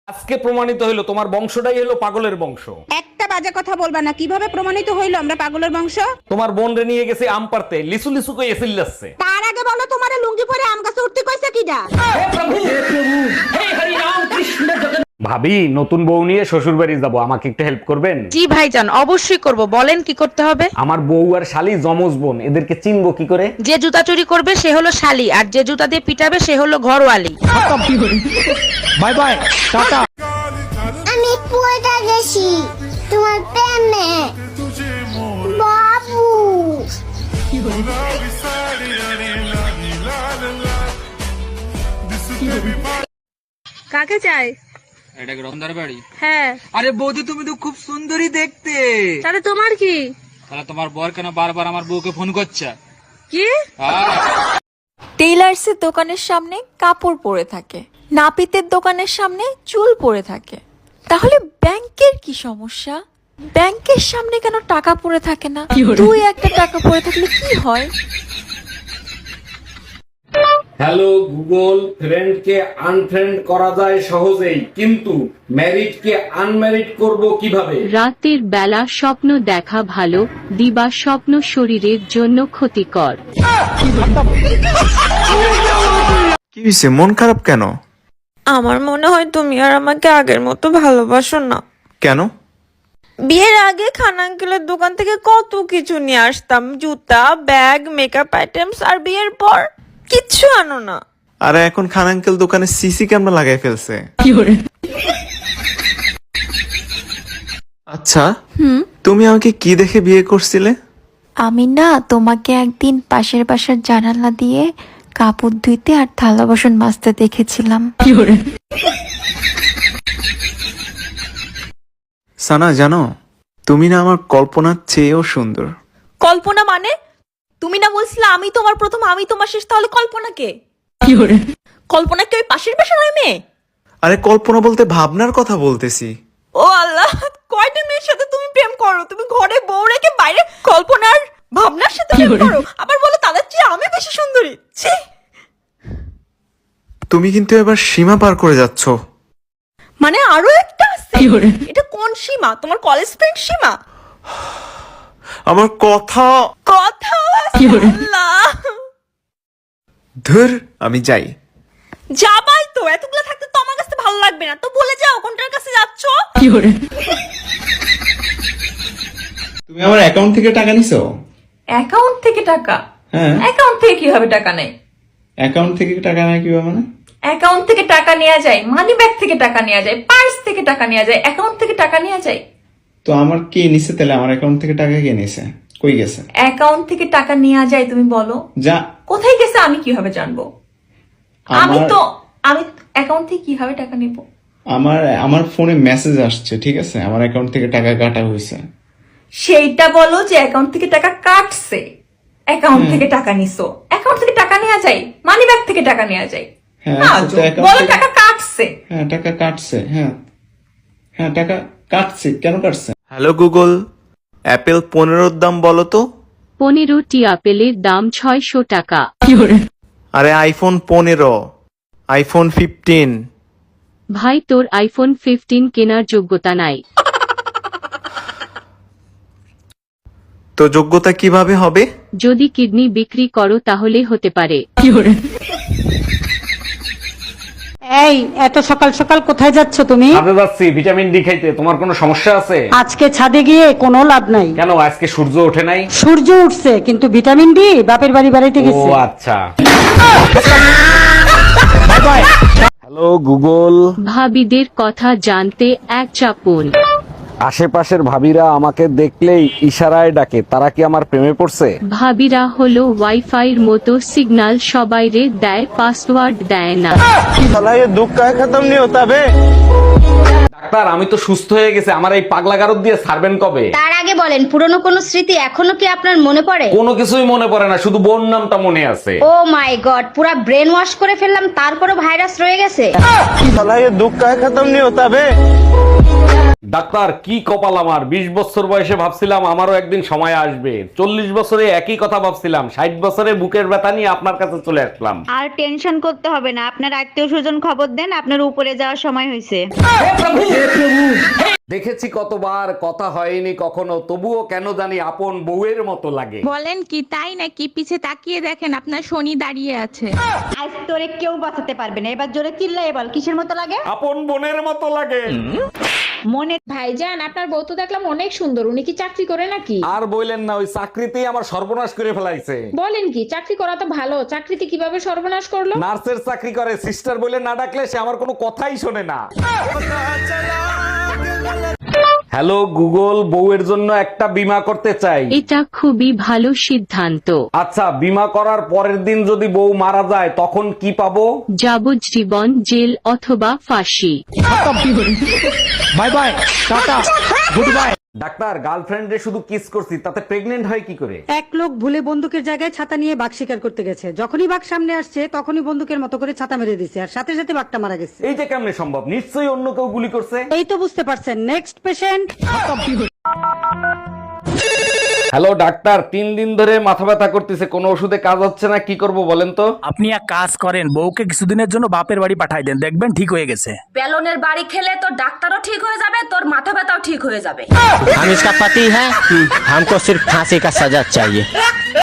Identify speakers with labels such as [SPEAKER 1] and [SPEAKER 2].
[SPEAKER 1] আজকে প্রমাণিত হইলো তোমার বংশটাই হলো পাগলের বংশ।
[SPEAKER 2] একটা বাজে কথা বলবা না। কিভাবে প্রমাণিত হইলো আমরা পাগলের বংশ?
[SPEAKER 1] তোমার বোন রে নিয়ে গেছে আম পারতে, লিসু লিসু কই এসিল যাচ্ছে।
[SPEAKER 2] তার আগে বলো তোমারে লুঙ্গি পরে আম গাছে উঠতে কইছে কিডা?
[SPEAKER 1] ভাবি, নতুন বউ নিয়ে শ্বশুর বাড়ি যাবো, আমাকে একটু হেল্প করবেন?
[SPEAKER 3] জি ভাইজান, অবশ্যই করব। বলেন কি করতে হবে?
[SPEAKER 1] আমার বউ আর শালি জমজ বোন, এদেরকে চিনবো কি করে?
[SPEAKER 3] যে জুতা চুরি করবে সে হলো শালি, আর যে জুতা দিয়ে পিটাবে সে হলো ঘরওয়ালি।
[SPEAKER 1] By bye, tata.
[SPEAKER 4] আমি পড়ে গেছি তোমার প্রেমে বাবু।
[SPEAKER 3] কাকে চাই?
[SPEAKER 5] এটা কি রতনদার বাড়ি?
[SPEAKER 3] হ্যাঁ।
[SPEAKER 5] আরে বৌদি, তুমি তো খুব সুন্দরী দেখতে।
[SPEAKER 3] তাহলে তোমার কি?
[SPEAKER 5] তাহলে তোমার বর কেন বারবার আমার বউকে ফোন করছে?
[SPEAKER 3] কি?
[SPEAKER 6] টেইলার্সের দোকানের সামনে কাপড় পরে থাকে, নাপিতের দোকানের সামনে চুল পরে থাকে। তাহলে ব্যাংকের কি সমস্যা? ব্যাংকের সামনে কেন টাকা পড়ে থাকে না? দুই একটা টাকা পড়ে থাকলে কি হয়?
[SPEAKER 1] হ্যালো গুগল, ফ্রেন্ডকে আনফ্রেন্ড করা যায় সহজেই, কিন্তু ম্যারিডকে আনম্যারিড করব কিভাবে?
[SPEAKER 7] রাতের বেলা স্বপ্ন দেখা ভালো, দিবা স্বপ্ন শরীরের জন্য ক্ষতিকর।
[SPEAKER 8] কি হয়েছে, মন খারাপ কেন?
[SPEAKER 6] আমার মনে হয় তুমি আর আমাকে আগের মতো ভালোবাসো না।
[SPEAKER 8] কেন?
[SPEAKER 6] বিয়ের আগে খান আঙ্কেলের দোকান থেকে কত কিছু নিয়ে আসতাম, জুতা, ব্যাগ, মেকআপ আইটেমস, আর বিয়ের পর কিচ্ছু আনো না।
[SPEAKER 8] আরে এখন খান আঙ্কেল দোকানে সিসি ক্যামেরা লাগাই ফেলছে। আচ্ছা, তুমি আমাকে কি দেখে বিয়ে করছিলে?
[SPEAKER 6] আমি না তোমাকে একদিন পাশের বাসার জানালা দিয়ে কাপড় ধুইতে আর থালা বাসন মাজতে দেখেছিলাম।
[SPEAKER 8] সানা, জানো তুমি না আমার কল্পনার চেয়েও সুন্দর।
[SPEAKER 6] কল্পনা মানে? তুমি না বলছিলে আমি তোমার প্রথম আমি তোমার শেষ, তাহলে কল্পনা কে? কল্পনা কি ওই পাশের বাসার ওই মেয়ে?
[SPEAKER 8] আরে কল্পনা বলতে ভাবনার কথা বলতেছি।
[SPEAKER 6] ও আল্লাহ, কয়টা মেয়ের সাথে তুমি প্রেম করো? তুমি ঘরে বউ রেখে বাইরে কল্পনার ভাবনার সাথে প্রেম করো, আবার বলো তাদের চেয়ে আমি বেশি সুন্দরী। ছি!
[SPEAKER 8] তুমি কিন্তু এবার সীমা পার করে যাচ্ছ।
[SPEAKER 6] মানে আরো একটা আছে? এটা কোন সীমা? তোমার কলেজ ফ্রেন্ড সীমা?
[SPEAKER 8] আমার কথা
[SPEAKER 6] কথা আছে? আল্লাহ,
[SPEAKER 8] ধুর, আমি যাই।
[SPEAKER 6] যাবাই তো, এতগুলো থাকতে তো আমার কাছে ভালো লাগবে না, তো বলে যাও কোনটার কাছে যাচ্ছ।
[SPEAKER 8] তুমি আমার অ্যাকাউন্ট থেকে টাকা নিছো?
[SPEAKER 6] অ্যাকাউন্ট থেকে টাকা?
[SPEAKER 8] হ্যাঁ।
[SPEAKER 6] অ্যাকাউন্ট থেকে কিভাবে টাকা নেয়?
[SPEAKER 8] অ্যাকাউন্ট থেকে টাকা নেয় কিভাবে মানে?
[SPEAKER 6] অ্যাকাউন্ট থেকে টাকা নেওয়া যায়, মানি ব্যাগ থেকে টাকা নেওয়া যায়, পার্স থেকে টাকা নেওয়া যায়, অ্যাকাউন্ট থেকে টাকা নেওয়া যায়।
[SPEAKER 8] তো আমার কে নিছে তাহলে? আমার অ্যাকাউন্ট থেকে টাকা কে নিছে? কই গেছে?
[SPEAKER 6] অ্যাকাউন্ট থেকে টাকা নেওয়া যায়, তুমি বলো
[SPEAKER 8] যা।
[SPEAKER 6] কোথায় গেছে আমি কিভাবে জানবো? আমি অ্যাকাউন্ট থেকে কিভাবে টাকা নেব?
[SPEAKER 8] আমার ফোনে মেসেজ আসছে, ঠিক আছে, আমার অ্যাকাউন্ট থেকে টাকা কাটা হয়েছে।
[SPEAKER 6] সেইটা বলো যে অ্যাকাউন্ট থেকে টাকা কাটছে, অ্যাকাউন্ট থেকে টাকা নিছো। অ্যাকাউন্ট থেকে টাকা নেওয়া যায়, মানি ব্যাগ থেকে টাকা নেওয়া যায়।
[SPEAKER 8] হ্যাঁ,
[SPEAKER 6] না,
[SPEAKER 8] তো account
[SPEAKER 6] বলো
[SPEAKER 8] থেকে-
[SPEAKER 6] টাকা কাটছে।
[SPEAKER 8] হ্যাঁ, টাকা কাটছে। হ্যাঁ হ্যাঁ, টাকা কাটছে। কেন কাটছে? হ্যালো গুগল, অ্যাপেল 15 দাম বলো তো।
[SPEAKER 7] 15টি আপেলের দাম 600 টাকা।
[SPEAKER 8] আরে আইফোন 15, আইফোন 15।
[SPEAKER 7] ভাই, তোর আইফোন 15 কেনার যোগ্যতা নাই।
[SPEAKER 8] তো যোগ্যতা কিভাবে হবে?
[SPEAKER 7] যদি কিডনি বিক্রি করো তাহলে হতে পারে।
[SPEAKER 9] এই এত সকাল সকাল কোথায় যাচ্ছ তুমি?
[SPEAKER 1] ছাদে যাচ্ছি ভিটামিন ডি খাইতে। তোমার কোনো সমস্যা আছে?
[SPEAKER 9] আজকে ছাদে গিয়ে কোনো লাভ নাই।
[SPEAKER 1] কেন, আজকে সূর্য ওঠে নাই?
[SPEAKER 9] সূর্য উঠছে কিন্তু ভিটামিন ডি বাপের বাড়ি বেড়াইতে
[SPEAKER 1] ও
[SPEAKER 9] গেছে।
[SPEAKER 1] আচ্ছা। হ্যালো গুগল,
[SPEAKER 7] ভাবিদের কথা জানতে এক চাপুন।
[SPEAKER 1] আশেপাশের ভাবিরা আমাকে দেখলেই ইশারায় ডাকে, তারা কি আমার প্রেমে পড়ছে?
[SPEAKER 7] ভাবিরা হলো ওয়াইফাইয়ের মতো, সিগন্যাল সবাইরে দেয়, পাসওয়ার্ড দেয় না।
[SPEAKER 1] ডাক্তার আমি তো সুস্থ হয়ে গেছে, আমার এই পাগলা গারদ দিয়ে ছাড়বেন কবে?
[SPEAKER 4] তার আগে বলেন পুরনো কোনো স্মৃতি এখনো কি আপনার মনে পড়ে?
[SPEAKER 1] কোনো কিছুই মনে পড়ে না, শুধু বোন নামটা মনে আছে।
[SPEAKER 4] ও মাই গড, পুরা ব্রেন ওয়াশ করে ফেললাম তারপরও ভাইরাস রয়ে গেছে।
[SPEAKER 1] ডাক্তার কি কপাল আমার, 20 বছর বয়সে ভাবছিলাম আমারও একদিন সময় আসবে, 40 বছরে একই কথা ভাবছিলাম, 60 বছরে বুকের ব্যথা নিয়ে আপনার কাছে চলে আসলাম।
[SPEAKER 2] আর টেনশন করতে হবে না, আপনার আত্মীয় স্বজন খবর দেন, আপনার উপরে যাওয়ার সময় হয়েছে।
[SPEAKER 1] দেখেছি কতবার, কথা হয়নি কখনো, তবুও কেন জানি আপন বউয়ের মতো লাগে।
[SPEAKER 3] বলেন কি তাই নাকি? পিছে তাকিয়ে দেখেন আপনার শনি দাঁড়িয়ে আছে।
[SPEAKER 2] আজ তোরে কেউ বাঁচাতে পারবে না, এবার জোরে চিল্লাই বল কিসের মতো লাগে?
[SPEAKER 1] আপন বোনের মতো লাগে।
[SPEAKER 2] মনে
[SPEAKER 3] ভাইজান আপনার বউ তো দেখলাম অনেক সুন্দর, উনি কি চাকরি করে নাকি?
[SPEAKER 1] আর বললেন না, ওই চাকরিতেই আমার সর্বনাশ করে ফেলাইছে।
[SPEAKER 3] বলেন কি, চাকরি করা তো ভালো, চাকরিতে কিভাবে সর্বনাশ করলো?
[SPEAKER 1] নার্সের চাকরি করে, সিস্টার বলে না ডাকলে সে আমার কোনো কথাই শোনে না। হ্যালো গুগল, বউয়ের জন্য একটা বীমা করতে চাই।
[SPEAKER 7] এটা খুবই ভালো সিদ্ধান্ত।
[SPEAKER 1] আচ্ছা, বীমা করার পরের দিন যদি বউ মারা যায় তখন কি পাবো?
[SPEAKER 7] যাবজ্জীবন জেল অথবা ফাঁসি।
[SPEAKER 1] Bye bye, tata, good bye. Doctor, গার্লফ্রেন্ডে শুধু কিস করছি, তাতে প্রেগনেন্ট হয় কি করে?
[SPEAKER 9] এক লোক ভুলে বন্দুকের জায়গায় ছাতা নিয়ে বাঘ শিকার করতে গেছে, যখনই বাঘ সামনে আসছে তখনই বন্দুকের মতো করে ছাতা মেরে দিছে, আর সাথে সাথে বাঘটা মারা গেছে।
[SPEAKER 1] এইটা কেমনে সম্ভব? নিশ্চয়ই অন্য কেউ গুলি করছে।
[SPEAKER 9] এই তো বুঝতে পারছেন। Next patient.
[SPEAKER 1] হ্যালো ডাক্তার, 3 দিন ধরে মাথা ব্যথা করতেছে, কোনো ওষুধে কাজ হচ্ছে না, কি করব বলেন তো?
[SPEAKER 10] আপনি এক কাজ করেন, বউকে কিছুদিনের জন্য বাপের বাড়ি পাঠাই দেন, দেখবেন ঠিক হয়ে গেছে।
[SPEAKER 3] বেলনের বাড়ি খেলে তোর ডাক্তারও ঠিক হয়ে যাবে, তোর মাথা ব্যথাও ঠিক হয়ে যাবে।
[SPEAKER 10] हम इसका पति है, हमको सिर्फ फांसी का सजा चाहिए।